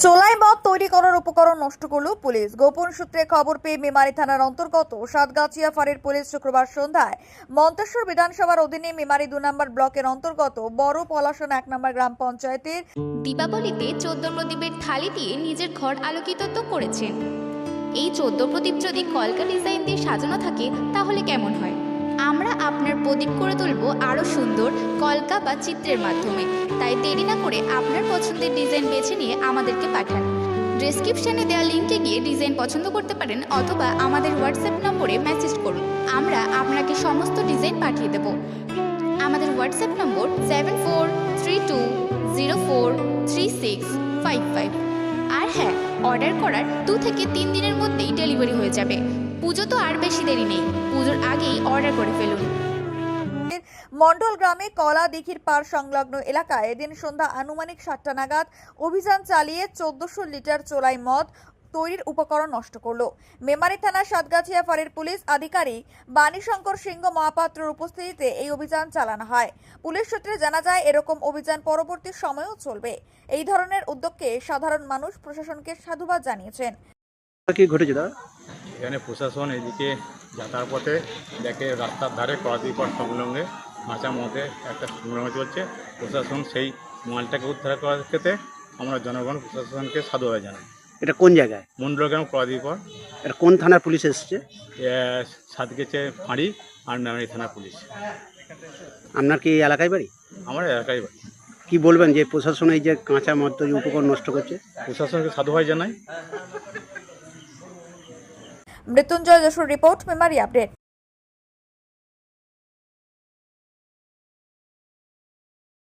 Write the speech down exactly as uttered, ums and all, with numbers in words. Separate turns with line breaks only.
চোলাই মদ তৈরি করার উপকরণ নষ্ট করল পুলিশ। গোপন সূত্রে খবর পেয়ে মেমারি থানার অন্তর্গত সাতগাছিয়া ফাঁড়ির পুলিশ শুক্রবার সন্ধ্যায় মন্তেশ্বর বিধানসভার অধীনে মেমারি দু নম্বর ব্লকের অন্তর্গত বড় পলাশন এক নম্বর গ্রাম পঞ্চায়েতের
দীপাবলিতে চোদ্দ প্রদীপের থালি দিয়ে নিজের ঘর আলোকিত তো করেছেন। এই চোদ্দ প্রদীপ যদি কলকা ডিজাইন দিয়ে সাজানো থাকে তাহলে কেমন হয়? আমরা আপনার প্রদীপ করে তুলব আরও সুন্দর কলকা বা চিত্রের মাধ্যমে। তাই দেরি না করে আপনার পছন্দের ডিজাইন বেছে নিয়ে আমাদেরকে পাঠান। ডেসক্রিপশনে দেওয়া লিঙ্কে গিয়ে ডিজাইন পছন্দ করতে পারেন অথবা আমাদের হোয়াটসঅ্যাপ নম্বরে মেসেজ করুন। আমরা আপনাকে সমস্ত ডিজাইন পাঠিয়ে দেব। আমাদের WhatsApp number seven four three two zero four three six five five. আর হ্যাঁ, অর্ডার করার দু থেকে তিন দিনের মধ্যেই ডেলিভারি হয়ে যাবে। পুজো তো আর বেশি দেরি নেই, পুজোর আগেই অর্ডার করে ফেলুন।
মন্ডল গ্রামে কলা দিঘির পার সংলগ্ন এলাকায় এদিন সন্ধ্যা আনুমানিক সাতটা নাগাদ অভিযান চালিয়ে চোদ্দশো লিটার চোলাই মদ তৈরির উপকরণ নষ্ট করল। মেমারি থানা সাতগাছিয়া ফাঁড়ির পুলিশ আধিকারিক বাণীশঙ্কর সিংহ মহাপাত্রের উপস্থিতিতে এই অভিযান চালানো হয়। পুলিশ সূত্রে জানা যায় এরকম অভিযান পরবর্তী সময়েও চলবে। এই ধরনের উদ্যোগকে সাধারণ মানুষ প্রশাসনকে সাধুবাদ জানিয়েছেন।
কি ঘটেছে দাদা?
এখানে প্রশাসন এদিকে যাতায়াত পথে দেখে রাস্তার ধারে করাদিপর সংলগ্নে কাঁচা মদে একটা সংগ্রাম চলছে। প্রশাসন সেই মালটাকে উদ্ধার করার ক্ষেত্রে আমরা জনগণ প্রশাসনকে সাধুবাদ জানাই।
এটা কোন জায়গায়?
মন্ডলগ্রাম করাদিপর,
এটা কোন থানার পুলিশ এসেছে?
সাতগেছে ফাঁড়ি আর মেমারি থানার পুলিশ।
আপনার কি এই এলাকায় বাড়ি?
আমার এলাকায় বাড়ি।
কি বলবেন যে প্রশাসন এই যে কাঁচা মদ তৈরি উপকরণ নষ্ট করছে?
প্রশাসনকে সাধুবাদ জানাই।
Mrityunjay Jessore report, Memari update.